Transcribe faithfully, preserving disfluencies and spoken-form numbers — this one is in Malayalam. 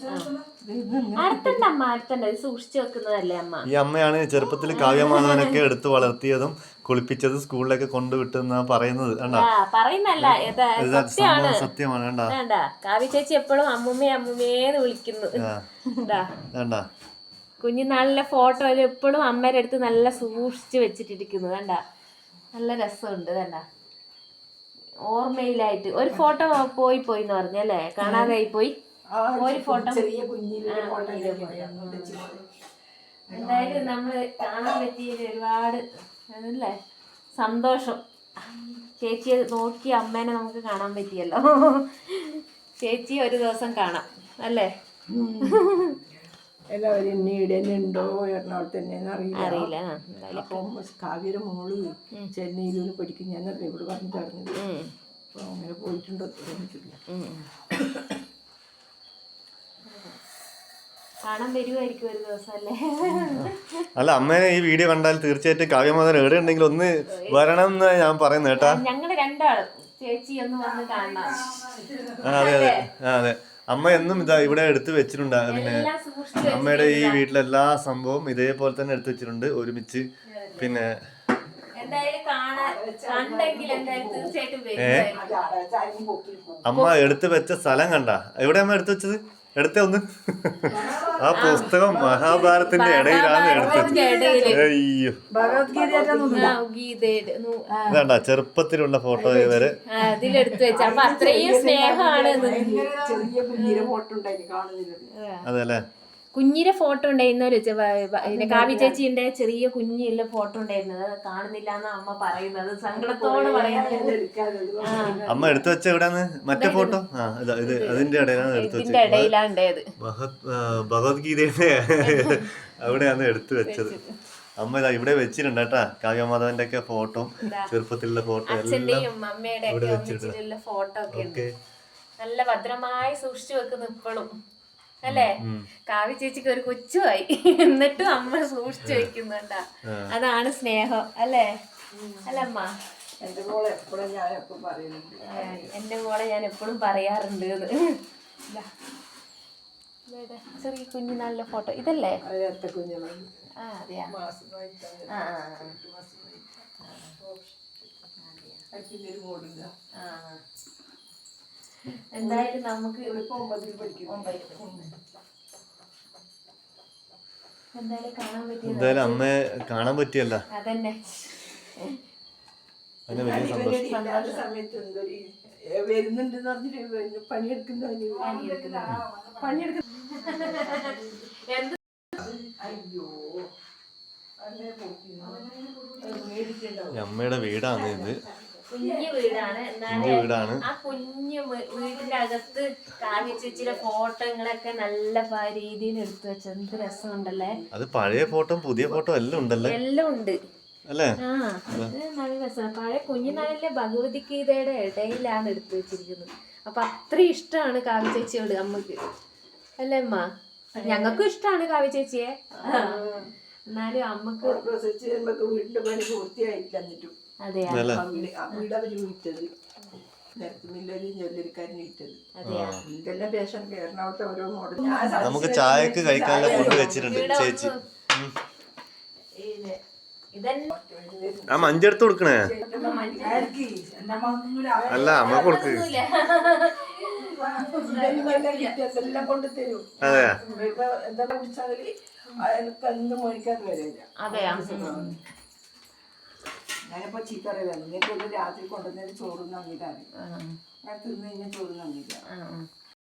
അടുത്തണ്ട അമ്മ അടുത്തണ്ട ഇത് സൂക്ഷിച്ചു വെക്കുന്നതല്ലേ അമ്മ. ഈ അമ്മയാണ് ചെറുപ്പത്തിൽ കാവ്യമാധവനൊക്കെ എടുത്ത് വളർത്തിയതും കുളിപ്പിച്ചതും സ്കൂളിലൊക്കെ കൊണ്ടുവിട്ടെന്നാ പറയുന്നത്. പറയുന്നല്ല സത്യമാണ്. വേണ്ട കാവ്യ ചേച്ചി എപ്പോഴും അമ്മുമ്മേ അമ്മുമ്മേന്ന് വിളിക്കുന്നു. കുഞ്ഞുനാളിലെ ഫോട്ടോയിൽ എപ്പോഴും അമ്മയുടെ അടുത്ത് നല്ല സൂക്ഷിച്ച് വെച്ചിട്ടിരിക്കുന്നു. വേണ്ട നല്ല രസമുണ്ട്. വേണ്ട ഓർമ്മയിലായിട്ട് ഒരു ഫോട്ടോ പോയി പോയി എന്ന് പറഞ്ഞല്ലേ, കാണാതായി പോയി ഒരു ഫോട്ടോ. എന്തായാലും നമ്മള് കാണാൻ പറ്റിയതിൽ ഒരുപാട് അല്ലേ സന്തോഷം. ചേച്ചിയെ നോക്കി അമ്മേനെ നമുക്ക് കാണാൻ പറ്റിയല്ലോ. ചേച്ചി ഒരു ദിവസം കാണാം അല്ലേ. എല്ലാവരും ഉണ്ടോ എറണാകുളത്ത് തന്നെയെന്ന് അറിയില്ല അറിയില്ല അപ്പം കാവ്യയുടെ മോള് ചെന്നൈയിലൂടെ പഠിക്കും ഞാനറിയാം ഇവിടെ പറഞ്ഞു തരുന്നത്. അപ്പൊ അങ്ങനെ പോയിട്ടുണ്ടോ തോന്നിട്ടില്ല. കാണാൻ വരുമായിരിക്കും ഒരു ദിവസം അല്ലേ. അല്ല അമ്മേനെ ഈ വീഡിയോ കണ്ടാൽ തീർച്ചയായിട്ടും കാവ്യമാധവൻ എവിടെ ഉണ്ടെങ്കിൽ ഒന്ന് വരണം എന്ന് ഞാൻ പറയുന്നത് കേട്ടാ. ഞങ്ങള് രണ്ടാളും ചേച്ചി ഒന്ന് വന്ന് കാണണം. അതെ അതെ അതെ അമ്മ എന്നും ഇതാ ഇവിടെ എടുത്ത് വെച്ചിട്ടുണ്ട്. പിന്നെ അമ്മയുടെ ഈ വീട്ടിലെ എല്ലാ സംഭവം ഇതേപോലെ തന്നെ എടുത്ത് വെച്ചിട്ടുണ്ട് ഒരുമിച്ച്. പിന്നെ അമ്മ എടുത്ത് വെച്ച സ്ഥലം കണ്ട എവിടെ അമ്മ എടുത്ത് വെച്ചത്? എടുത്ത ഒന്ന് ആ പുസ്തകം മഹാഭാരതത്തിന്റെ ഇടയിലാണ് എടുത്തത്. അയ്യോ ഇതാണ്ട ചെറുപ്പത്തിലുള്ള ഫോട്ടോ വരെ അതിലെടുത്ത് വെച്ച അപ്പൊ അത്രയും സ്നേഹമാണ്. അതെല്ലേ കുഞ്ഞിന്റെ ഫോട്ടോ ഉണ്ടായിരുന്നൊരു കാവ്യ ചേച്ചിന്റെ ചെറിയ കുഞ്ഞിന്റെ ഫോട്ടോ ഉണ്ടായിരുന്നത് കാണുന്നില്ല എന്നാ അമ്മ പറയുന്നത്. സങ്കടത്തോടെ പറയുന്നത്. അമ്മ എടുത്തു വെച്ച എവിടെയാണ് മറ്റേ ഫോട്ടോ? ആ ഇത് അതിന്റെ ഇടയിലാണ് എടുത്തു വെച്ചത്. ഇടയിലാണ് ഉണ്ടായത്. ഭഗവത്ഗീതയുടെ അവിടെയാണ് എടുത്തു വെച്ചത്. അമ്മ ഇതാ ഇവിടെ വെച്ചിട്ടുണ്ട് കേട്ടാ കാവ്യമാധവന്റെ ഒക്കെ ഫോട്ടോ, ചെറുപ്പത്തിലുള്ള ഫോട്ടോ അച്ഛന്റെയും അമ്മയുടെ ഒക്കെ ഫോട്ടോ ഒക്കെ നല്ല ഭദ്രമായി സൂക്ഷിച്ചു വെക്കുന്നു ഇപ്പോഴും അല്ലേ. കാവ്യ ചേച്ചിക്ക് ഒരു കൊച്ചുമായി എന്നിട്ടും അമ്മ സൂക്ഷിച്ചു വെക്കുന്നുണ്ടാ. അതാണ് സ്നേഹം അല്ലേ. അല്ലമ്മ എന്റെ മോളെ എപ്പോഴും ഞാൻ എപ്പോഴും പറയുന്നുണ്ട്. എന്റെ മോളെ ഞാൻ എപ്പോഴും പറയാറുണ്ട്. ചെറിയ കുഞ്ഞു നല്ല ഫോട്ടോ ഇതല്ലേ? ആ അതെയാ. എന്തായാലും നമുക്ക് എന്തായാലും കാണാൻ പറ്റിയ എന്തായാലും അമ്മയെ കാണാൻ പറ്റിയല്ല. അതന്നെ അതിന് വലിയ സന്തോഷം. സമയത്ത് എന്തൊരു വരുന്നുണ്ടെന്ന് പറഞ്ഞിട്ട് പണിയെടുക്കുന്ന പണിയെടുക്കുന്ന അയ്യോ അമ്മയുടെ വീടാണ് ഇത്. കുഞ്ഞു വീടാണ്. എന്നാലും ആ കുഞ്ഞു വീടിന്റെ അകത്ത് കാവ്യ ചേച്ചിയുടെ ഫോട്ടോകളൊക്കെ നല്ല രീതിയിൽ എടുത്തു വെച്ചത് എന്ത് രസമുണ്ടല്ലേ. അത് പഴയ ഫോട്ടോ പുതിയ ഫോട്ടോ എല്ലാം ഉണ്ടല്ലേ. എല്ലാം ഉണ്ട് അല്ലേ. ആ നല്ല രസമാണ്. പഴയ കുഞ്ഞുനാളിലെ ഭഗവത്ഗീതയുടെ ഇടയിലാണ് എടുത്തു വെച്ചിരിക്കുന്നത്. അപ്പൊ അത്രയും ഇഷ്ടമാണ് കാവ്യ ചേച്ചിയോട് അമ്മക്ക് അല്ലേ അമ്മ. ഞങ്ങൾക്കും ഇഷ്ടമാണ് കാവ്യ ചേച്ചിയെ. എന്നാലും അമ്മക്ക് വീടിന്റെ പണി പൂർത്തിയായില്ല. എന്നിട്ടും അതെയാ വീട് അവര് വിറ്റത് ഇതെല്ലാം പേഷൻ എറണാകുളത്തെ ഓരോ മോഡൽ. നമുക്ക് ചായക്ക് കഴിക്കാനുള്ള ഫുഡ് വെച്ചിട്ടുണ്ട് ചേച്ചി. ആ മഞ്ചെടുത്ത് കൊടുക്കണേ. അല്ല അമ്മ കൊടുക്ക്. എല്ലാം കൊണ്ട് തരും. അതെയാ എന്താ കുടിച്ചാല് എനിക്ക് എന്ത് മേടിക്കാൻ വരില്ല. അതെയാ ഞാനിപ്പോ ചീത്ത അറിയില്ല. നിങ്ങൾക്ക് രാത്രി കൊണ്ടുവന്നതിന് ചോറ് നന്നിട്ടാണ് ഞാൻ തിന്നു കഴിഞ്ഞാൽ ചോറ് നന്നില്ല.